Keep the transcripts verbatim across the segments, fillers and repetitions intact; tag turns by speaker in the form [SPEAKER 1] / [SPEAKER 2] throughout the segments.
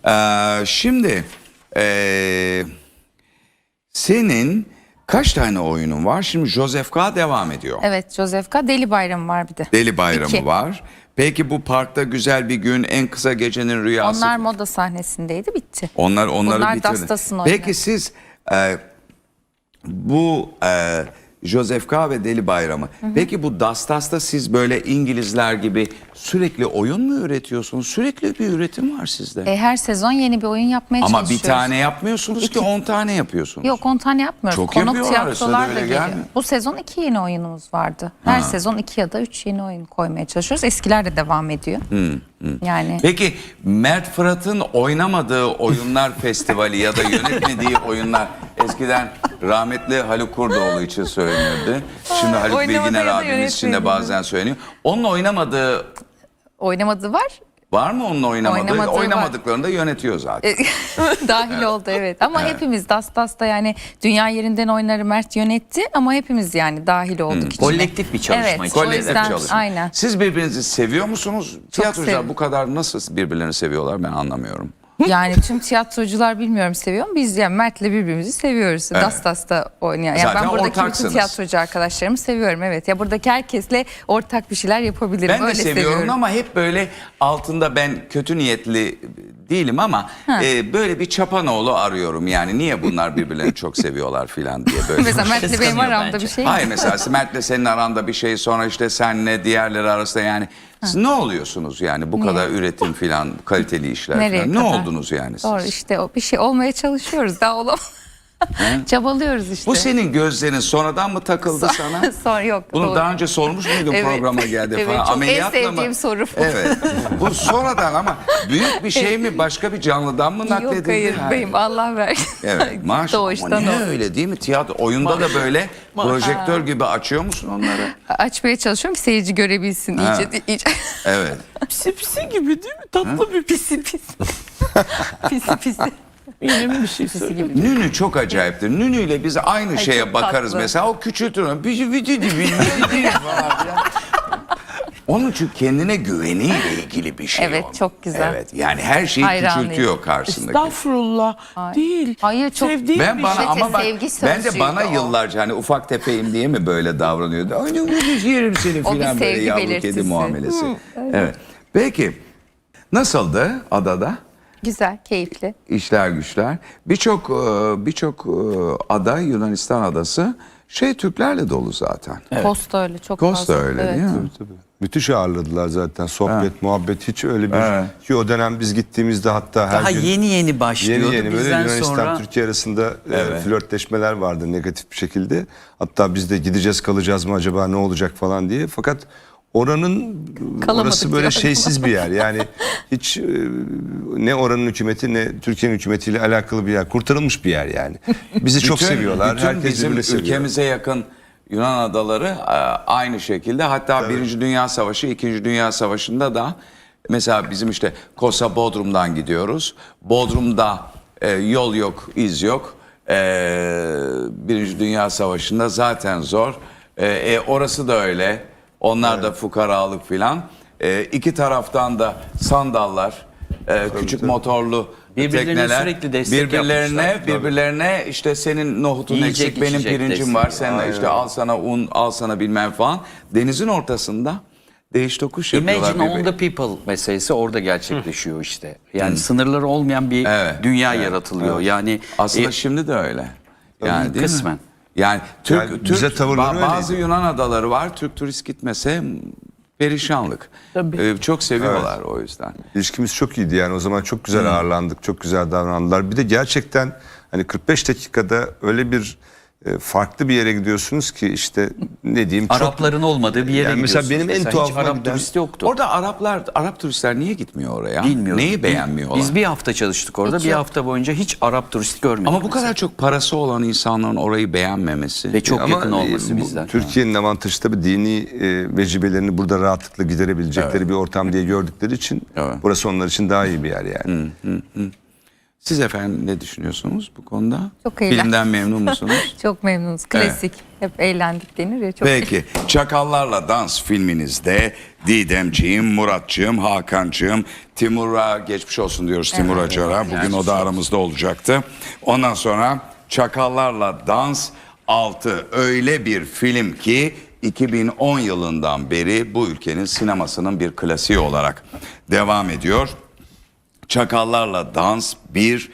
[SPEAKER 1] Ee, şimdi ee, senin kaç tane oyunun var? Şimdi Joseph K. devam ediyor.
[SPEAKER 2] Evet, Joseph K. Deli Bayramı var bir de.
[SPEAKER 1] Deli Bayramı
[SPEAKER 2] İki.
[SPEAKER 1] var. Peki bu parkta güzel bir gün, en kısa gecenin rüyası.
[SPEAKER 2] Onlar moda sahnesindeydi, bitti.
[SPEAKER 1] Onlar onları
[SPEAKER 2] Bunlar
[SPEAKER 1] bitirdi.
[SPEAKER 2] Dastas'ın oyunu.
[SPEAKER 1] Peki siz e, bu e, Joseph K. ve Deli Bayramı. Hı hı. Peki bu Dastas'ta siz böyle İngilizler gibi sürekli oyun mu üretiyorsunuz? Sürekli bir üretim var sizde.
[SPEAKER 2] E, her sezon yeni bir oyun yapmaya
[SPEAKER 1] Ama
[SPEAKER 2] çalışıyoruz.
[SPEAKER 1] bir tane yapmıyorsunuz
[SPEAKER 2] İki.
[SPEAKER 1] ki on tane yapıyorsunuz.
[SPEAKER 2] Yok, on tane yapmıyoruz.
[SPEAKER 1] Çok
[SPEAKER 2] Konuk
[SPEAKER 1] yapıyorlar,
[SPEAKER 2] tiyatrolar
[SPEAKER 1] arasında
[SPEAKER 2] da
[SPEAKER 1] böyle
[SPEAKER 2] geliyor.
[SPEAKER 1] gelmiyor.
[SPEAKER 2] Bu sezon iki yeni oyunumuz vardı. Her
[SPEAKER 1] Ha.
[SPEAKER 2] sezon iki ya da üç yeni oyun koymaya çalışıyoruz. Eskiler de devam ediyor.
[SPEAKER 1] Hı, hı.
[SPEAKER 2] Yani.
[SPEAKER 1] Peki Mert Fırat'ın oynamadığı oyunlar festivali ya da yönetmediği oyunlar eskiden rahmetli Haluk Kurdoğlu için söyleniyordu. Şimdi Haluk
[SPEAKER 2] Oynamadığı
[SPEAKER 1] Bilginer
[SPEAKER 2] ya da
[SPEAKER 1] abimiz için de
[SPEAKER 2] yönetmediği.
[SPEAKER 1] bazen söyleniyor. Onun oynamadığı
[SPEAKER 2] Oynamadığı var.
[SPEAKER 1] var mı onun oynamadığı?
[SPEAKER 2] Oynamadığı var.
[SPEAKER 1] Oynamadıklarını da yönetiyor zaten.
[SPEAKER 2] Dahil oldu, evet. Ama evet. Hepimiz Dastas'ta yani dünya yerinden oyunları Mert yönetti ama hepimiz yani dahil olduk
[SPEAKER 1] Hmm.
[SPEAKER 2] içine.
[SPEAKER 3] Kolektif bir çalışma
[SPEAKER 2] Evet,
[SPEAKER 3] için.
[SPEAKER 2] o
[SPEAKER 1] Kolektif
[SPEAKER 2] yüzden
[SPEAKER 1] çalışma.
[SPEAKER 2] aynen.
[SPEAKER 1] Siz birbirinizi seviyor musunuz? Tiyatrocular
[SPEAKER 2] sev-
[SPEAKER 1] bu kadar nasıl birbirlerini seviyorlar ben anlamıyorum.
[SPEAKER 2] Yani tüm tiyatrocular bilmiyorum seviyor mu? Biz yani Mert'le birbirimizi seviyoruz.
[SPEAKER 1] Evet.
[SPEAKER 2] Dastas'ta oynayan. Yani
[SPEAKER 1] Zaten
[SPEAKER 2] ben buradaki
[SPEAKER 1] ortaksınız.
[SPEAKER 2] bütün tiyatrocu arkadaşlarımı seviyorum, evet. Ya buradaki herkesle ortak bir şeyler yapabilirim.
[SPEAKER 1] Ben de
[SPEAKER 2] Öyle
[SPEAKER 1] seviyorum,
[SPEAKER 2] seviyorum.
[SPEAKER 1] ama hep böyle altında ben kötü niyetli değilim ama e, böyle bir çapanoğlu arıyorum. Yani niye bunlar birbirlerini çok seviyorlar filan diye böyle.
[SPEAKER 2] Mesela Mert'le benim
[SPEAKER 3] Kıskanıyor
[SPEAKER 2] aramda
[SPEAKER 3] bence.
[SPEAKER 2] bir şey.
[SPEAKER 1] Hayır, mesela Mert'le senin aranda bir şey, sonra işte senle diğerleri arasında yani siz ne oluyorsunuz yani bu kadar üretim filan, kaliteli işler
[SPEAKER 2] Nereye
[SPEAKER 1] filan, ne
[SPEAKER 2] kadar?
[SPEAKER 1] oldunuz yani siz?
[SPEAKER 2] Doğru, işte o bir şey olmaya çalışıyoruz, daha olamam. Çabalıyoruz işte.
[SPEAKER 1] Bu senin gözlerin sonradan mı takıldı sana?
[SPEAKER 2] Sonra yok.
[SPEAKER 1] Bunu
[SPEAKER 2] doğru.
[SPEAKER 1] daha önce sormuş muydun
[SPEAKER 2] Evet.
[SPEAKER 1] programa geldi
[SPEAKER 2] Evet,
[SPEAKER 1] falan?
[SPEAKER 2] çok en
[SPEAKER 1] Ameliyatla
[SPEAKER 2] sevdiğim
[SPEAKER 1] mı?
[SPEAKER 2] soru bu.
[SPEAKER 1] Evet. Bu sonradan ama büyük bir şey mi, başka bir canlıdan mı nakledildi?
[SPEAKER 2] Yok, hayır
[SPEAKER 1] Ha.
[SPEAKER 2] beyim, Allah versin.
[SPEAKER 1] Evet, maşallah. Ama
[SPEAKER 2] Doğuştan
[SPEAKER 1] ne
[SPEAKER 2] o.
[SPEAKER 1] öyle değil mi? Tiyatro oyunda da böyle projektör gibi açıyor musun onları?
[SPEAKER 2] Açmaya çalışıyorum ki seyirci görebilsin
[SPEAKER 1] Ha.
[SPEAKER 2] iyice. iyice.
[SPEAKER 1] Evet.
[SPEAKER 3] Pisi pisi gibi değil mi? Tatlı bir
[SPEAKER 2] Pisi pisi. pisi pisi.
[SPEAKER 3] benim bir şey
[SPEAKER 2] Pisi
[SPEAKER 3] söyleyeyim.
[SPEAKER 2] gibi.
[SPEAKER 1] Nünü çok acayiptir. Nünü ile biz aynı
[SPEAKER 2] Ay,
[SPEAKER 1] şeye
[SPEAKER 2] çok
[SPEAKER 1] bakarız
[SPEAKER 2] tatlı.
[SPEAKER 1] mesela. O küçültür. Bizi vidi di vidi di falan filan. Onun için kendine güveniyle ilgili bir şey
[SPEAKER 2] Evet,
[SPEAKER 1] o.
[SPEAKER 2] çok güzel.
[SPEAKER 1] Evet, yani her şeyi
[SPEAKER 2] Hayranıyım.
[SPEAKER 1] küçültüyor karşısındaki.
[SPEAKER 3] Estağfurullah. Değil.
[SPEAKER 2] Hayır, çok-
[SPEAKER 3] Sevdiğim
[SPEAKER 1] Ben
[SPEAKER 3] bir
[SPEAKER 1] bana
[SPEAKER 3] şey.
[SPEAKER 1] ama bak
[SPEAKER 2] sevgi
[SPEAKER 1] ben de
[SPEAKER 2] sözcüğüydü
[SPEAKER 1] bana
[SPEAKER 2] o.
[SPEAKER 1] yıllarca hani ufak tefeyim diye mi böyle davranıyordu? Ay ne ucuz yerim seni
[SPEAKER 2] O bir
[SPEAKER 1] filan böyle
[SPEAKER 2] sevgi
[SPEAKER 1] yavru kedi
[SPEAKER 2] belirtisi.
[SPEAKER 1] muamelesi. Evet. Peki nasıldı adada?
[SPEAKER 2] Güzel, keyifli.
[SPEAKER 1] İşler güçler. Birçok e, birçok e, ada, Yunanistan adası şey Türklerle dolu zaten.
[SPEAKER 2] Costa öyle, çok
[SPEAKER 1] Costa
[SPEAKER 2] fazla.
[SPEAKER 1] öyle
[SPEAKER 2] Evet.
[SPEAKER 1] değil mi?
[SPEAKER 4] Tabii. Müthiş ağırladılar zaten. Sohbet, muhabbet hiç öyle bir...
[SPEAKER 1] Evet.
[SPEAKER 4] Ki o dönem biz gittiğimizde hatta her
[SPEAKER 3] Daha
[SPEAKER 4] gün...
[SPEAKER 3] yeni yeni başlıyordu.
[SPEAKER 4] Yeni yeni böyle
[SPEAKER 3] Bizden
[SPEAKER 4] Yunanistan
[SPEAKER 3] sonra
[SPEAKER 4] Türkiye arasında e,
[SPEAKER 1] Evet.
[SPEAKER 4] flörtleşmeler vardı negatif bir şekilde. Hatta biz de gideceğiz kalacağız mı acaba ne olacak falan diye. Fakat oranın
[SPEAKER 2] Kalamadık
[SPEAKER 4] orası böyle
[SPEAKER 2] diyor.
[SPEAKER 4] şeysiz bir yer. Yani hiç e, ne oranın hükümeti ne Türkiye'nin hükümetiyle alakalı bir yer. Kurtarılmış bir yer yani. Bizi çok
[SPEAKER 1] Bütün-
[SPEAKER 4] seviyorlar.
[SPEAKER 1] Bütün
[SPEAKER 4] Herkes
[SPEAKER 1] bizim
[SPEAKER 4] birbirini seviyor.
[SPEAKER 1] ülkemize yakın Yunan adaları e, aynı şekilde. Hatta Birinci Dünya Savaşı, İkinci Dünya Savaşı'nda da mesela bizim işte Kosa Bodrum'dan gidiyoruz. Bodrum'da e, yol yok, iz yok. E, Birinci Dünya Savaşı'nda zaten zor. E, e, orası da öyle. Onlar da fukaralık filan. E, iki taraftan da sandallar, e, küçük
[SPEAKER 4] tabii.
[SPEAKER 1] motorlu
[SPEAKER 3] Birbirlerine
[SPEAKER 1] tekneler,
[SPEAKER 3] sürekli destek
[SPEAKER 1] birbirlerine
[SPEAKER 3] yapmışlar.
[SPEAKER 1] birbirlerine işte senin nohutun
[SPEAKER 3] Yiyecek,
[SPEAKER 1] eksik, benim
[SPEAKER 3] içecek
[SPEAKER 1] pirincim
[SPEAKER 3] desteği.
[SPEAKER 1] var, sen işte al sana un, al sana bilmem falan. Denizin ortasında değiş tokuş yapıyorlar.
[SPEAKER 3] Imagine on
[SPEAKER 1] birbirine.
[SPEAKER 3] the people meselesi orada gerçekleşiyor işte. Yani sınırları olmayan bir
[SPEAKER 1] Evet,
[SPEAKER 3] dünya yaratılıyor. Yani
[SPEAKER 1] Aslında
[SPEAKER 3] e,
[SPEAKER 1] şimdi de öyle. Yani değil
[SPEAKER 3] kısmen.
[SPEAKER 1] mi? Yani Türk,
[SPEAKER 4] Yani
[SPEAKER 1] Türk
[SPEAKER 4] bize tavırları
[SPEAKER 1] ba- bazı
[SPEAKER 4] öyleydi.
[SPEAKER 1] Yunan adaları var. Türk turist gitmese perişanlık. Ee, çok seviyorlar o yüzden.
[SPEAKER 4] İlişkimiz çok iyiydi yani o zaman çok güzel ağırlandık, çok güzel davrandılar. Bir de gerçekten hani kırk beş dakikada öyle bir e, farklı bir yere gidiyorsunuz ki işte ne diyeyim çok...
[SPEAKER 3] Arapların olmadığı bir yere
[SPEAKER 4] Yani mesela
[SPEAKER 3] gidiyorsunuz.
[SPEAKER 4] benim en
[SPEAKER 3] hiç
[SPEAKER 4] tuhafıma
[SPEAKER 3] Arap
[SPEAKER 4] giden-
[SPEAKER 3] turisti yoktu.
[SPEAKER 1] Orada Araplar, Arap turistler niye gitmiyor oraya?
[SPEAKER 3] Bilmiyorum.
[SPEAKER 1] Neyi beğenmiyorlar?
[SPEAKER 3] Biz bir hafta çalıştık orada.
[SPEAKER 2] Hiç
[SPEAKER 3] bir
[SPEAKER 2] yok.
[SPEAKER 3] hafta boyunca hiç Arap turist görmedik.
[SPEAKER 1] Ama bu
[SPEAKER 3] mesela.
[SPEAKER 1] kadar çok parası olan insanların orayı beğenmemesi.
[SPEAKER 3] Ve çok
[SPEAKER 4] Ama
[SPEAKER 3] yakın olması
[SPEAKER 4] e, bu
[SPEAKER 3] bizden.
[SPEAKER 4] Türkiye'nin avantajı tabii dini e, vecibelerini burada rahatlıkla giderebilecekleri bir ortam diye gördükleri için
[SPEAKER 1] Evet.
[SPEAKER 4] burası onlar için daha iyi bir yer yani.
[SPEAKER 1] Siz efendim ne düşünüyorsunuz bu konuda?
[SPEAKER 2] Çok eğlen-
[SPEAKER 1] Filmden memnun musunuz?
[SPEAKER 2] Çok memnunuz. Klasik. Hep eğlendik denir ya. Çok
[SPEAKER 1] Peki, Çakallarla Dans filminizde Didemciğim, Muratcığım, Hakan'cığım, Timur'a geçmiş olsun diyoruz, Timur Acar'a. Bugün o da aramızda olacaktı. Ondan sonra Çakallarla Dans altı öyle bir film ki iki bin on yılından beri bu ülkenin sinemasının bir klasiği olarak devam ediyor. Çakallarla Dans bir,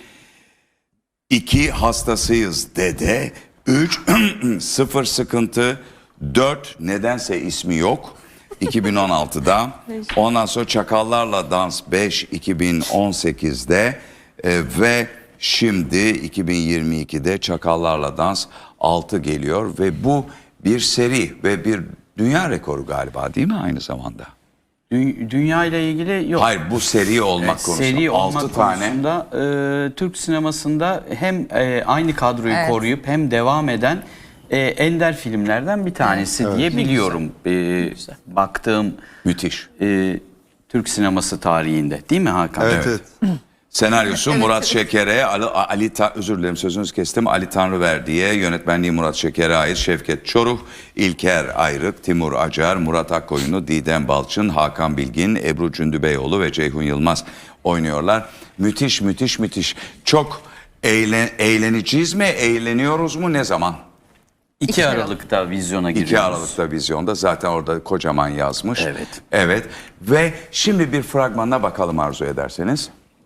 [SPEAKER 1] iki hastasıyız dede, üç sıfır sıkıntı, dört nedense ismi yok iki bin on altıda, ondan sonra Çakallarla Dans beş iki bin on sekizde e, ve şimdi iki bin yirmi ikide Çakallarla Dans altı geliyor ve bu bir seri ve bir dünya rekoru galiba, değil mi aynı zamanda?
[SPEAKER 3] Dü- dünya ile ilgili yok.
[SPEAKER 1] Hayır, bu seri olmak
[SPEAKER 3] Evet,
[SPEAKER 1] konusunda
[SPEAKER 3] seri
[SPEAKER 1] altı
[SPEAKER 3] olmak
[SPEAKER 1] tane.
[SPEAKER 3] konusunda e, Türk sinemasında hem e, aynı kadroyu
[SPEAKER 2] Evet.
[SPEAKER 3] koruyup hem devam eden e, ender filmlerden bir tanesi diye biliyorum. E, baktığım
[SPEAKER 1] Müthiş.
[SPEAKER 3] e, Türk sineması tarihinde, değil mi Hakan?
[SPEAKER 4] Evet, evet.
[SPEAKER 1] Senaryosu Murat Şeker'e, Ali, Ali Ta- özür dilerim sözünüzü kestim, Ali Tanrıverdi'ye, yönetmenliği Murat Şeker'e ait Şevket Çoruh, İlker Ayrık, Timur Acar, Murat Akkoyunlu, Didem Balçın, Hakan Bilgin, Ebru Cündübeyoğlu ve Ceyhun Yılmaz oynuyorlar. Müthiş, müthiş, müthiş. Çok eğlen, eğleneceğiz mi, eğleniyoruz mu, ne zaman?
[SPEAKER 3] iki
[SPEAKER 2] İki
[SPEAKER 3] Aralık'ta vizyona giriyoruz.
[SPEAKER 1] iki Aralık'ta vizyonda, zaten orada kocaman yazmış.
[SPEAKER 3] Evet.
[SPEAKER 1] Evet. Ve şimdi bir fragmanına bakalım arzu ederseniz.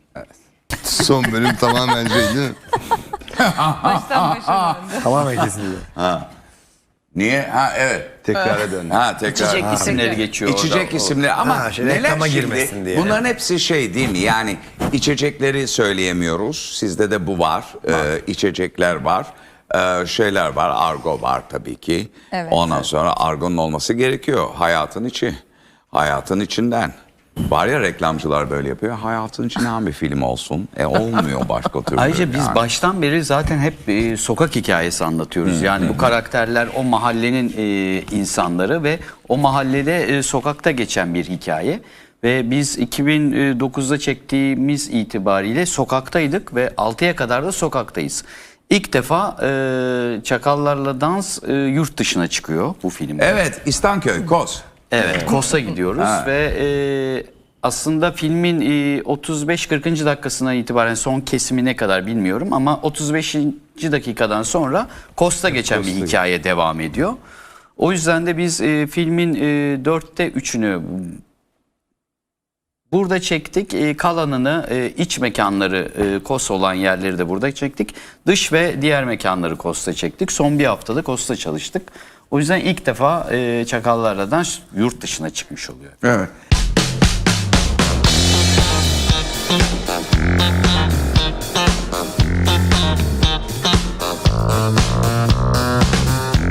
[SPEAKER 4] Son bölüm tamamen şey değil mi?
[SPEAKER 2] baştan başa döndü.
[SPEAKER 5] Tamamen kesildi.
[SPEAKER 1] Niye? Ha evet.
[SPEAKER 4] Tekrara dön.
[SPEAKER 1] Ha tekrar.
[SPEAKER 3] İçecek
[SPEAKER 1] Ha.
[SPEAKER 3] isimleri geçiyor
[SPEAKER 1] İçecek
[SPEAKER 3] orada.
[SPEAKER 1] isimleri ama
[SPEAKER 5] Ha, şey,
[SPEAKER 1] neler
[SPEAKER 5] reklama
[SPEAKER 1] şimdi?
[SPEAKER 5] girmesin diye.
[SPEAKER 1] Bunların hepsi şey değil mi? Yani içecekleri söyleyemiyoruz. Sizde de bu var. Ee, içecekler var. Ee, şeyler var. Argo var tabii ki.
[SPEAKER 2] Evet.
[SPEAKER 1] Ondan sonra argonun olması gerekiyor. Hayatın içi. Hayatın içinden. Var ya, reklamcılar böyle yapıyor. Hayatın içinden bir film olsun. E olmuyor başka türlü.
[SPEAKER 3] Ayrıca biz
[SPEAKER 1] yani.
[SPEAKER 3] baştan beri zaten hep e, sokak hikayesi anlatıyoruz. Yani bu karakterler o mahallenin e, insanları ve o mahallede e, sokakta geçen bir hikaye. Ve biz iki bin dokuzda çektiğimiz itibariyle sokaktaydık ve altıya kadar da sokaktayız. İlk defa e, Çakallarla Dans e, yurt dışına çıkıyor bu filmde.
[SPEAKER 1] Evet, İstanköy, Koz.
[SPEAKER 3] Evet, Kos'a gidiyoruz
[SPEAKER 1] Ha.
[SPEAKER 3] ve e, aslında filmin e, otuz beş kırkıncı dakikasına itibaren son kesimine kadar bilmiyorum ama otuz beşinci dakikadan sonra Kos'ta geçen bir hikaye devam ediyor. O yüzden de biz e, filmin e, dörtte üçünü burada çektik. E, kalanını e, iç mekanları e, Kos olan yerleri de burada çektik. Dış ve diğer mekanları Kos'ta çektik. Son bir haftada Kos'ta çalıştık. O yüzden ilk defa e, Çakallarla Dans yurt dışına çıkmış oluyor.
[SPEAKER 1] Evet.